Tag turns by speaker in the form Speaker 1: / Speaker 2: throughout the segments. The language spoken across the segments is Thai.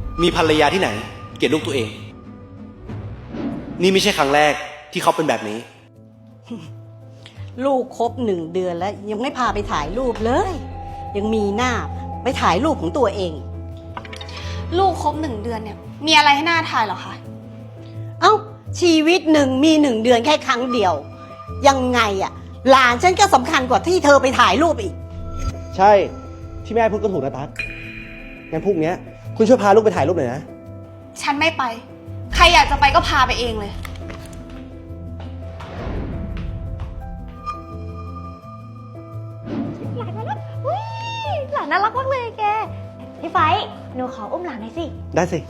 Speaker 1: มีภรรยาที่ไหนเกลียดลูกตัวเอง นี่ไม่ใช่ครั้งแรกที่เขาเป็นแบบนี้
Speaker 2: ลูกครบ1 เดือนแล้วยังไม่พาไปถ่ายรูปเลย ยังมีหน้าไปถ่ายรูปของตัวเอง
Speaker 3: ลูกครบ1 เดือนเนี่ยมีอะไรให้หน้าถ่ายเหรอคะ
Speaker 2: เอ้าชีวิตหนึ่งมี1 เดือนแค่ครั้งเดียว ยังไงอะหลานฉันก็สำคัญกว่าที่เธอไปถ่ายรูปอีก
Speaker 1: ใช่ที่แม่พูดก็ถูกนะตั๊กงั้นพรุ่งนี้คุณช่วยพาลูกไปถ่ายรูปหน่อยนะ
Speaker 3: ฉันไม่ไป ใครอยากจะไปก็พาไปเองเลย
Speaker 4: หลานมาแล้วอุ๊ยหลานน่ารักมากเลยแก พี่ไฟหนูขออุ้มหลานหน่อยสิ
Speaker 1: ได้สิ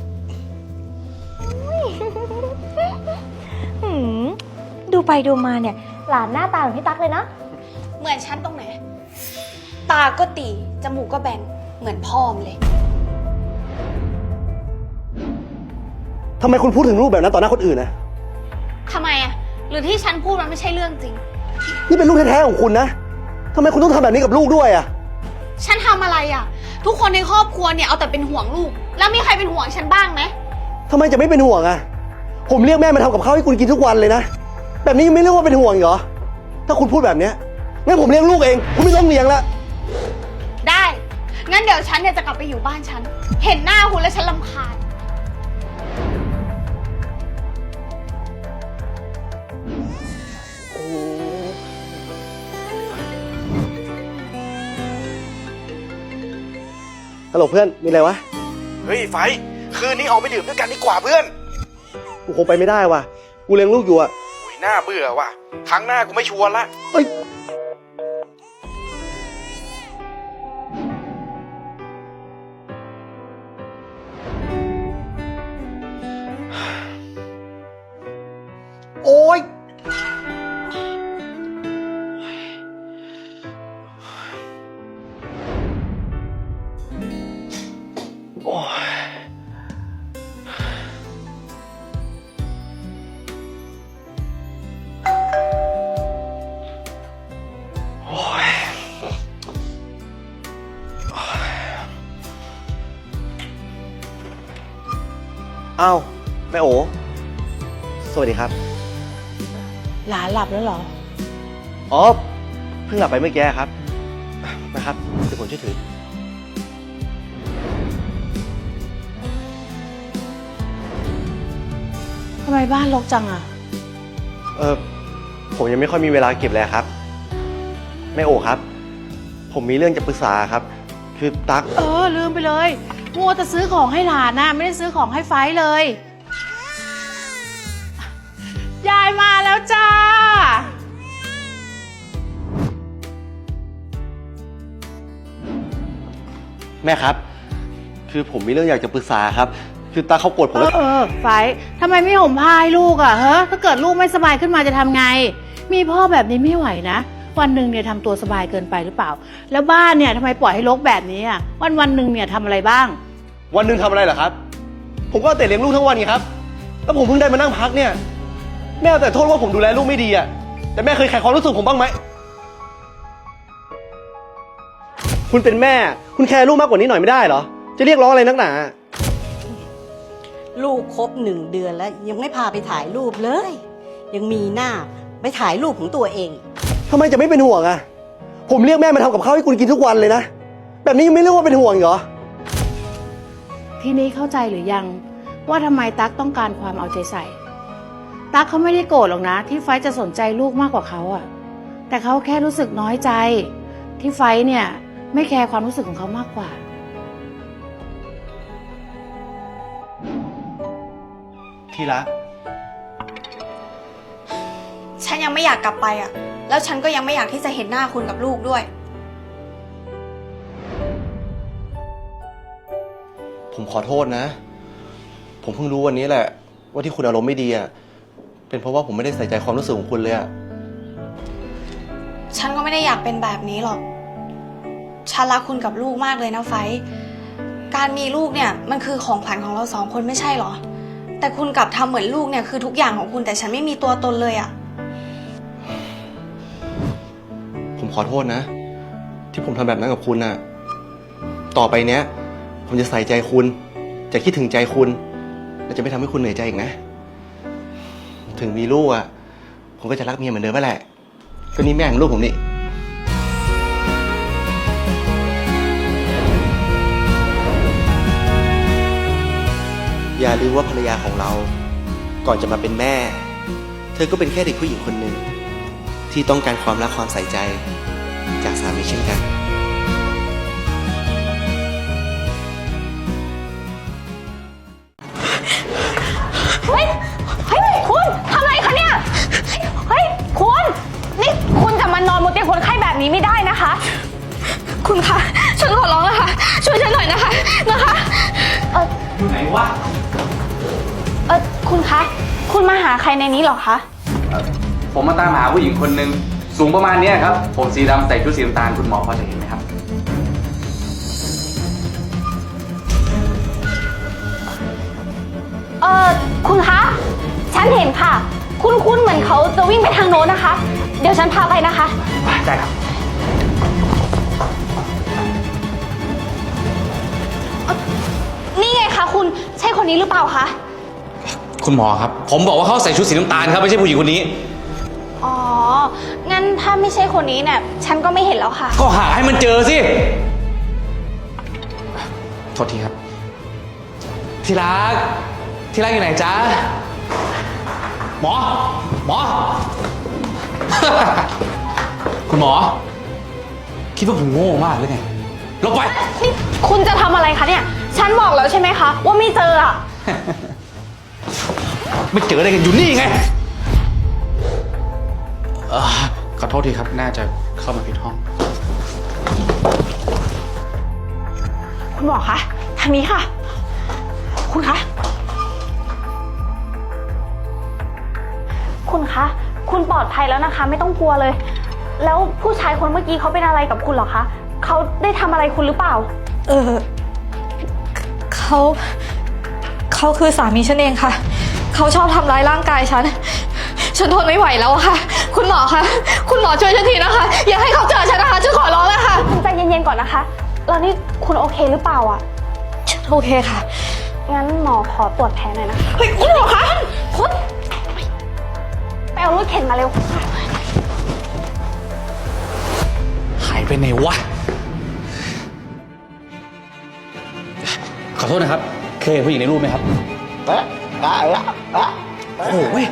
Speaker 4: หืมดูไปดูมาเนี่ย หลานหน้าตาเหมือนพี่ตั๊กเลยนะ
Speaker 3: เหมือนฉันตรงไหน ตาก็ตีจมูกก็แบนเหมือนพ่อมเลย
Speaker 1: ทำไมคุณพูดถึงลูกแบบนั้นต่อหน้าคนอื่นนะ
Speaker 3: ทำไมอะหรือที่ฉันพูดมันไม่ใช่เรื่องจริง
Speaker 1: นี่เป็นลูกแท้ๆของคุณนะทำไมคุณต้องทำแบบนี้กับลูกด้วยอะ
Speaker 3: ฉันทำอะไรอะทุกคนในครอบครัวเนี่ยเอาแต่เป็นห่วงลูก แล้วมีใครเป็นห่วงฉันบ้างไหม
Speaker 1: ทำไมจะไม่เป็นห่วงอะผมเรียกแม่มาทำกับข้าวให้คุณกินทุกวันเลยนะ แบบนี้ยังไม่เรียกว่าเป็นห่วงอีกเหรอ ถ้าคุณพูดแบบเนี้ยงั้นผมเลี้ยงลูกเอง คุณไม่ต้องเลี้ยงละ
Speaker 3: ได้ งั้นเดี๋ยวฉันเนี่ยจะกลับไปอยู่บ้านฉัน เห็นหน้าคุณแล้วฉันรำคาญ
Speaker 1: ฮัลโหลเพื่อน มีอะไรวะ
Speaker 5: เฮ้ยไฟคืนนี้ออกไปดื่มด้วยกันดีกว่าเพื่อน
Speaker 1: กูคงไปไม่ได้ว่ะ กูเลี้ยงลูกอยู่อะ
Speaker 5: โอ้ยน่าเบื่อว่ะครั้งหน้ากูไม่ชวนละ
Speaker 1: เอ้ย โอ๊ย โอ๊ย โอ๊ย อ้าว แม่โอ สวัสดีครับ
Speaker 2: หลานหลับแล้วเหรอ
Speaker 1: อ๋อ เพิ่งหลับไปเมื่อกี้ครับ นะครับ เดี๋ยวผมช่วยถือ
Speaker 2: ทำไมบ้านรกจังอะ
Speaker 1: ผมยังไม่ค่อยมีเวลาเก็บเลยครับ แม่โอครับ ผมมีเรื่องจะปรึกษาครับ คือตั๊ก
Speaker 6: ลืมไปเลยมัวแต่ซื้อของให้หลานนะไม่ได้ซื้อของให้ไฟเลย ยายมาแล้วจ้า
Speaker 1: แม่ครับ คือผมมีเรื่องอยากจะปรึกษาครับ คือตั๊กเขาโกรธผมแล้ว
Speaker 6: ไฟทำไมไม่ห่มผ้าให้ลูกอ่ะถ้าเกิดลูกไม่สบายขึ้นมาจะทำไง มีพ่อแบบนี้ไม่ไหวนะ วันหนึ่งเนี่ยทำตัวสบายเกินไปหรือเปล่า แล้วบ้านเนี่ยทำไมปล่อยให้รกแบบนี้อ่ะวันหนึ่งเนี่ยทำอะไรบ้าง
Speaker 1: วันหนึ่งทำอะไรเหรอครับ ผมก็เอาแต่เลี้ยงลูกทั้งวันไงครับ แล้วผมเพิ่งได้มานั่งพักเนี่ย แม่เอาแต่โทษว่าผมดูแลลูกไม่ดีอะแต่แม่เคยแคร์ความรู้สึกผมบ้างไหม คุณเป็นแม่ คุณแคร์ลูกมากกว่านี้หน่อยไม่ได้เหรอ จะเรียกร้องอะไรนักหนา
Speaker 2: ลูกครบ1 เดือนแล้วยังไม่พาไปถ่ายรูปเลย ยังมีหน้าไปถ่ายรูปของตัวเอง
Speaker 1: ทำไมจะไม่เป็นห่วงอะผมเรียกแม่มาทำกับข้าวให้คุณกินทุกวันเลยนะ แบบนี้ยังไม่เรียกว่าเป็นห่วงอีกเหรอ
Speaker 6: ทีนี้เข้าใจหรือยังว่าทำไมตั๊กต้องการความเอาใจใส่ ตั๊กเขาไม่ได้โกรธหรอกนะ ที่ไฟท์จะสนใจลูกมากกว่าเขาอะแต่เขาแค่รู้สึกน้อยใจ ที่ไฟท์เนี่ยไม่แคร์ความรู้สึกของเขามากกว่า
Speaker 1: ที่รัก
Speaker 3: ฉันยังไม่อยากกลับไปอะแล้วฉันก็ยังไม่อยากที่จะเห็นหน้าคุณกับลูกด้วย
Speaker 1: ผมขอโทษนะ ผมเพิ่งรู้วันนี้แหละ ว่าที่คุณอารมณ์ไม่ดีอะเป็นเพราะว่าผมไม่ได้ใส่ใจความรู้สึกของคุณเลยอะ
Speaker 3: ฉันก็ไม่ได้อยากเป็นแบบนี้หรอก ฉันรักคุณกับลูกมากเลยนะไฟท์การมีลูกเนี่ยมันคือของขวัญของเรา2 คนไม่ใช่หรอ แต่คุณกลับทำเหมือนลูกเนี่ยคือทุกอย่างของคุณแต่ฉันไม่มีตัวตนเลยอะ
Speaker 1: ผมขอโทษนะ ที่ผมทำแบบนั้นกับคุณน่ะ ต่อไปเนี้ย ผมจะใส่ใจคุณจะคิดถึงใจคุณและจะไม่ทำให้คุณเหนื่อยใจอีกนะ ถึงมีลูกอ่ะผมก็จะรักเมียเหมือนเดิมนั่นแหละก็นี่แม่ของลูกผมนี่อย่าลืมว่าภรรยาของเราก่อนจะมาเป็นแม่เธอก็เป็นแค่เด็กผู้หญิงคนหนึ่งที่ต้องการความรักความใส่ใจจากสามีเช่นกัน
Speaker 4: เฮ้ยคุณทำอะไรคะเนี่ย เฮ้ยคุณนี่คุณจะมานอนบนเตียงคนไข้แบบนี้ไม่ได้นะคะ
Speaker 3: คุณคะฉันขอร้องแล้วค่ะ ช่วยฉันหน่อยนะคะ
Speaker 5: ไหนวะ
Speaker 4: คุณคะ คุณมาหาใครในนี้เหรอคะ
Speaker 7: ผมมาตามหาผู้หญิงคนหนึ่งสูงประมาณเนี้ยครับ ผมสีดำใส่ชุดสีน้ำตาลคุณหมอพอจะเห็นไหมครับ
Speaker 4: คุณคะ ฉันเห็นค่ะ คุณเหมือนเขาจะวิ่งไปทางโน้นนะคะ เดี๋ยวฉันพาไปนะคะ
Speaker 7: ได้ครับ
Speaker 4: นี่ไงคะคุณ ใช่คนนี้หรือเปล่าคะ
Speaker 7: คุณหมอครับ ผมบอกว่าเขาใส่ชุดสีน้ำตาลครับไม่ใช่ผู้หญิงคนนี้
Speaker 4: อ๋อ งั้นถ้าไม่ใช่คนนี้เนี่ย ฉันก็ไม่เห็นแล้วค่ะ
Speaker 7: ก็หาให้มันเจอสิ โทษทีครับ ที่รักอยู่ไหนจ๊ะ หมอ คุณหมอ คิดว่าผมโง่มากหรือไงลงไป
Speaker 4: นี่คุณจะทำอะไรคะเนี่ย ฉันบอกแล้วใช่ไหมคะ ว่าไม่เจออะ
Speaker 7: ไม่เจออะไรกันอยู่นี่ไงขอโทษทีครับ น่าจะเข้ามาผิดห้อง
Speaker 4: คุณหมอคะ ทางนี้ค่ะ คุณคะ คุณคะ คุณปลอดภัยแล้วนะคะ ไม่ต้องกลัวเลย แล้วผู้ชายคนเมื่อกี้เขาเป็นอะไรกับคุณเหรอคะ เขาได้ทำอะไรคุณหรือเปล่า
Speaker 3: เขาคือสามีฉันเองค่ะ เขาชอบทำร้ายร่างกายฉันทนไม่ไหวแล้วอะค่ะ คุณหมอคะ คุณหมอช่วยฉันทีนะคะ อย่าให้เขาเจอฉันนะคะ ฉันขอร้องแล้วค่ะ
Speaker 4: คุณใจเย็นๆก่อนนะคะ แล้วนี่คุณโอเคหรือเปล่าอะ
Speaker 3: ฉันโอเคค่ะ
Speaker 4: งั้นหมอขอตรวจแผลหน่อยนะคะ
Speaker 3: เฮ้ยคุณหมอคะคุณ
Speaker 4: ไปเอารถเข็นมาเร็ว
Speaker 7: หายไปไหนวะ ขอโทษนะครับ เคยเห็นผู้หญิงในรูปไหมครับโอ้โหเว้ย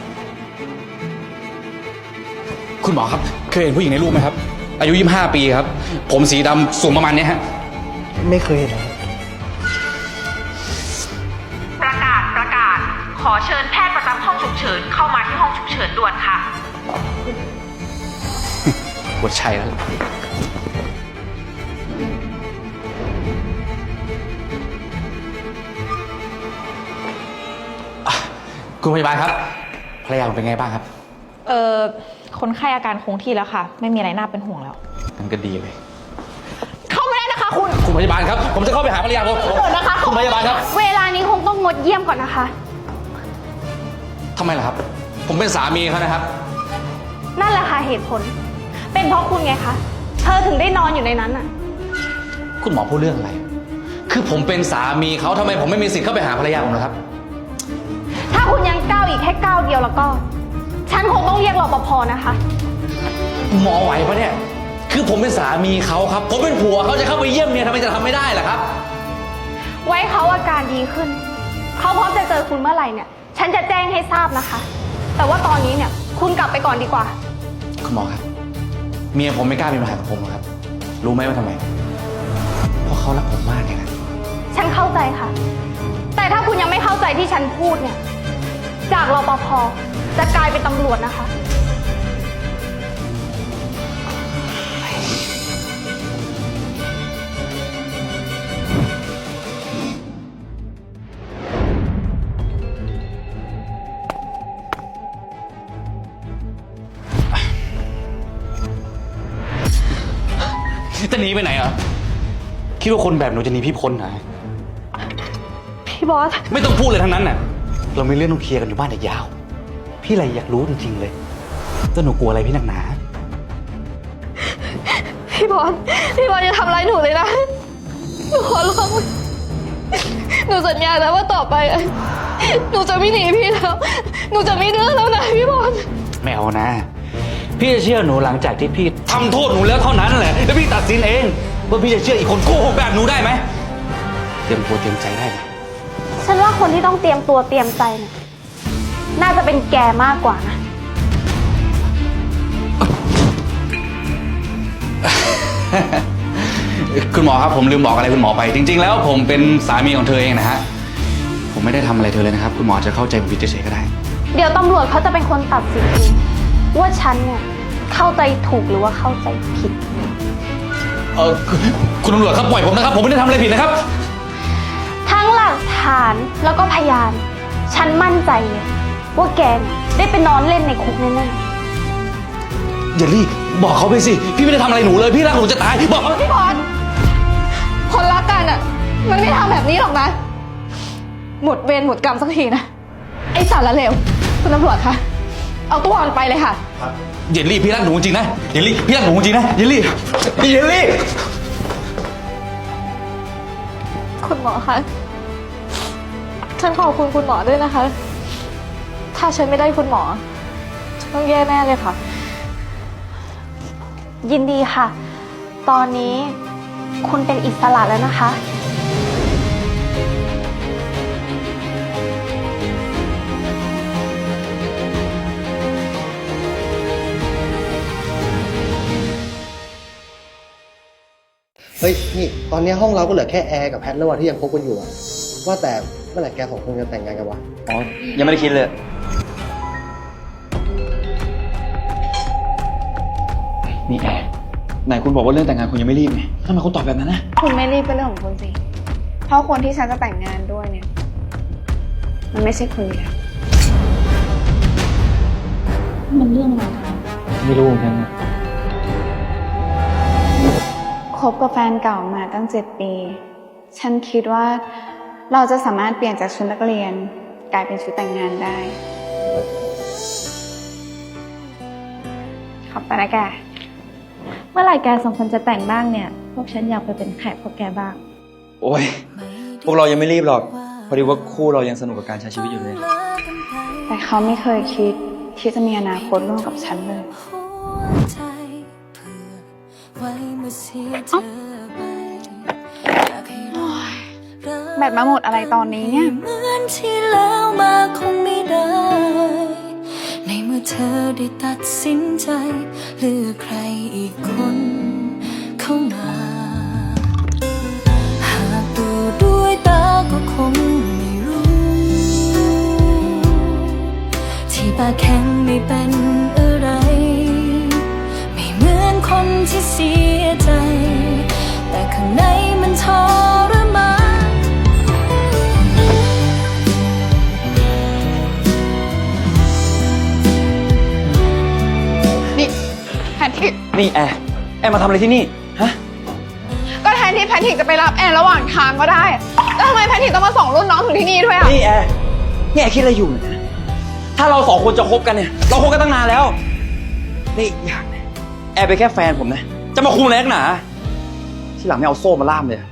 Speaker 7: คุณหมอครับ เคยเห็นผู้หญิงในรูปไหมครับ อายุ25 ปีครับ ผมสีดำสูงประมาณเนี้ยฮะ
Speaker 1: ไม่เคยเห็นเลย
Speaker 8: ประกาศ ขอเชิญแพทย์ประจำห้องฉุกเฉินเข้ามาที่ห้องฉุกเฉินด่วนค่ะ
Speaker 7: ว่าใช่แล้วคุณพยาบาลครับ ภรรยาผมเป็นไงบ้างครับ
Speaker 8: คนไข้อาการคงที่แล้วค่ะ ไม่มีอะไรน่าเป็นห่วงแล้ว
Speaker 7: นั่นก็ดีเลย
Speaker 4: เข้าไม่ได้นะคะคุณ
Speaker 7: คุณพยาบาลครับ ผมจะเข้าไปหาภรรยาผม
Speaker 4: เดี๋ยวนะคะ
Speaker 7: คุณพยาบาลครับ
Speaker 4: เวลานี้คงต้องงดเยี่ยมก่อนนะคะ
Speaker 7: ทำไมล่ะครับ ผมเป็นสามีเขานะครับ
Speaker 4: นั่นแหละค่ะเหตุผล เป็นเพราะคุณไงคะ เธอถึงได้นอนอยู่ในนั้นน่ะ
Speaker 7: คุณหมอพูดเรื่องอะไร คือผมเป็นสามีเขาทำไมผมไม่มีสิทธิ์เข้าไปหาภรรยาผมล่ะครับ
Speaker 4: ถ้าคุณยังก้าวอีกแค่ก้าวเดียวแล้วก็ ฉันคงต้องเรียกรปภนะคะ
Speaker 7: หมอไหวปะเนี่ย คือผมเป็นสามีเขาครับ ผมเป็นผัวเขาจะเข้าไปเยี่ยมเมียทำไมจะทำไม่ได้ล่ะครับ
Speaker 4: ไว้เขาอาการดีขึ้น เขาพร้อมจะเจอคุณเมื่อไหร่เนี่ย ฉันจะแจ้งให้ทราบนะคะ แต่ว่าตอนนี้เนี่ย คุณกลับไปก่อนดีกว่า
Speaker 7: คุณหมอครับ เมียผมไม่กล้ามีปัญหากับผมหรอกครับ รู้ไหมว่าทำไม เพราะเขารักผมมากเลยนะ
Speaker 4: ฉันเข้าใจค่ะ แต่ถ้าคุณยังไม่เข้าใจที่ฉันพูดเนี่ย จากรปภจะกลายเป็นตำรวจนะคะ
Speaker 7: จะหนีไปไหนอ่ะ คิดว่าคนแบบหนูจะหนีพี่พ้นเหรอ
Speaker 4: พี่บอส
Speaker 7: ไม่ต้องพูดเลยทั้งนั้นน่ะ เรามีเรื่องต้องเคลียร์กันอยู่บ้านอีกยาว พี่อะไรอยากรู้จริงๆเลยแต่หนูกลัวอะไรพี่หนักหนา
Speaker 3: พี่บอลอย่าทำร้ายหนูเลยนะ หนูขอร้อง หนู
Speaker 4: นูสัญญาแล้วว่าต่อไปอะหนูจะไม่หนีพี่แล้ว หนูจะไม่ดื้อแล้วนะพี่บอล
Speaker 7: ไม่เอานะ พี่จะเชื่อหนูหลังจากที่พี่ทำโทษหนูแล้วเท่านั้นแหละ แล้วพี่ตัดสินเองว่าพี่จะเชื่ออีกคนโกหกแบบหนูได้ไหมเตรียมตัวเตรียมใจได้ไหม
Speaker 4: ฉันว่าคนที่ต้องเตรียมตัวเตรียมใจเนี่ยน่าจะเป็นแกมากกว่านะ
Speaker 7: คุณหมอครับผมลืมบอกอะไรคุณหมอไป จริง ๆ แล้วผมเป็นสามีของเธอเองนะฮะผมไม่ได้ทำอะไรเธอเลยนะครับคุณหมอจะเข้าใจผมผิดเฉยๆก็ได้
Speaker 4: เดี๋ยวตำรวจเขาจะเป็นคนตัดสินเองว่าฉันเนี่ยเข้าใจถูกหรือว่าเข้าใจผิด
Speaker 7: คุณตำรวจครับปล่อยผมนะครับผมไม่ได้ทำอะไรผิดนะครับ
Speaker 4: ทั้งหลักฐานแล้วก็พยาน ฉันมั่นใจเลยว่าแกเนี่ยได้ไปนอนเล่นในคุกแน่ๆ
Speaker 7: อย่ารีบบอกเขาไปสิพี่ไม่ได้ทำอะไรหนูเลยพี่รักหนูจะตายบอกเขา
Speaker 4: พี่บอลคนรักกันอ่ะมันไม่ทำแบบนี้หรอกนะ หมดเวรหมดกรรมสักทีนะ ไอ้สารเลวคุณตำรวจคะเอาตัวมันไปเลยค่ะ
Speaker 7: อย่ารีบพี่รักหนูจริงนะอย่ารีบพี่รักหนูจริงนะอย่ารีบอย่ารีบ
Speaker 4: คุณหมอคะฉันขอบคุณคุณหมอด้วยนะคะ ถ้าฉันไม่ได้คุณหมอฉันต้องแย่แน่เลยค่ะ ยินดีค่ะ ตอนนี้คุณเป็นอิสระแล้วนะคะ
Speaker 9: เฮ้ยนี่ตอนนี้ห้องเราก็เหลือแค่แอร์กับแพทแล้วว่ะที่ยังคบกันอยู่อะว่าแต่เมื่อไหร่แกสองคนจะแต่งงานกันวะ
Speaker 5: อ๋อ ยังไม่ได้คิดเลย
Speaker 7: นี่แอร์ไหนคุณบอกว่าเรื่องแต่งงานคุณยังไม่รีบไงทำไมคุณตอบแบบนั้นนะ
Speaker 6: คุณไม่รีบเป็นเรื่องของคุณสิ เพราะคนที่ฉันจะแต่งงานด้วยเนี่ย มันไม่ใช่คุณอยู่แล้วมันเรื่องอะไรคะ
Speaker 7: ไม่รู้เหมือนกัน
Speaker 6: คบกับแฟนเก่ามาตั้ง7 ปี ฉันคิดว่าเราจะสามารถเปลี่ยนจากชุดนักเรียนกลายเป็นชุดแต่งงานได้ ขอบคุณนะแก
Speaker 10: เมื่อไหร่แกสองคนจะแต่งบ้างเนี่ย พวกฉันอยากไปเป็นแขกพวกแกบ้าง
Speaker 5: โอ้ย พวกเรายังไม่รีบหรอก พอดีว่าคู่เรายังสนุกกับการใช้ชีวิตอยู่เลย
Speaker 6: แต่เขาไม่เคยคิดที่จะมีอนาคตร่วมกับฉันเลย แบตมาหมดอะไรตอนนี้เนี่ย
Speaker 11: เหมือนที่แล้วมาคงไม่ได้ ในเมื่อเธอได้ตัดสินใจเลือกใครอีกคนเข้ามา หากดูด้วยตาก็คงไม่รู้ ที่ปากแข็งไม่เป็นอะไร ไม่เหมือนคนที่เสียใจ แต่ข้างในมันทรมาน
Speaker 6: แพทริก
Speaker 5: นี่แอร์มาทำอะไรที่นี่ ฮะ
Speaker 6: ก็แทนที่แพทริกจะไปรับแอนระหว่างทางก็ได้ แล้วทำไมแพทริกต้องมาส่งรุ่นน้องถึงที่นี่ด้วยอ่ะ
Speaker 5: นี่แอร์คิดอะไรอยู่เนี่ยถ้าเราสองคนจะคบกันเนี่ย เราคบกันตั้งนานแล้ว นี่อีกอย่างนะแอร์เป็นแค่แฟนผมนะ จะมาคุมอะไรนักหนา ที่หลังไม่เอาโซ่มาล่ามเลย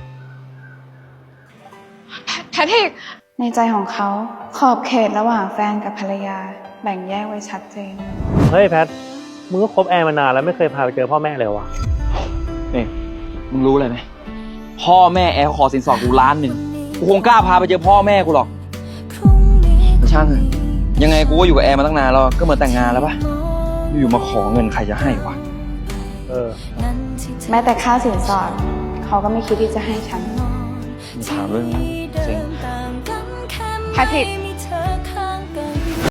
Speaker 6: แพทริก ในใจของเขาขอบเขตระหว่างแฟนกับภรรยาแบ่งแยกไว้ชัดเจน
Speaker 12: เฮ้ยแพท มึงก็คบแอร์มานานแล้วไม่เคยพาไปเจอพ่อแม่เลยวะ
Speaker 5: นี่มึงรู้เลยไหมพ่อแม่แอร์เขาขอสินสอดกู1,000,000กูคงกล้าพาไปเจอพ่อแม่กูหรอกแต่ช่างเถอะยังไงกูก็อยู่กับแอร์มาตั้งนานแล้วก็เหมือนแต่งงานแล้วปะอยู่มาขอเงินใครจะให้วะ
Speaker 6: แม้แต่ค่าสินสอดเขาก็ไม่คิดที่จะให้ฉัน
Speaker 5: มีถามเรื่องนี้เซ็ง
Speaker 6: แพทริก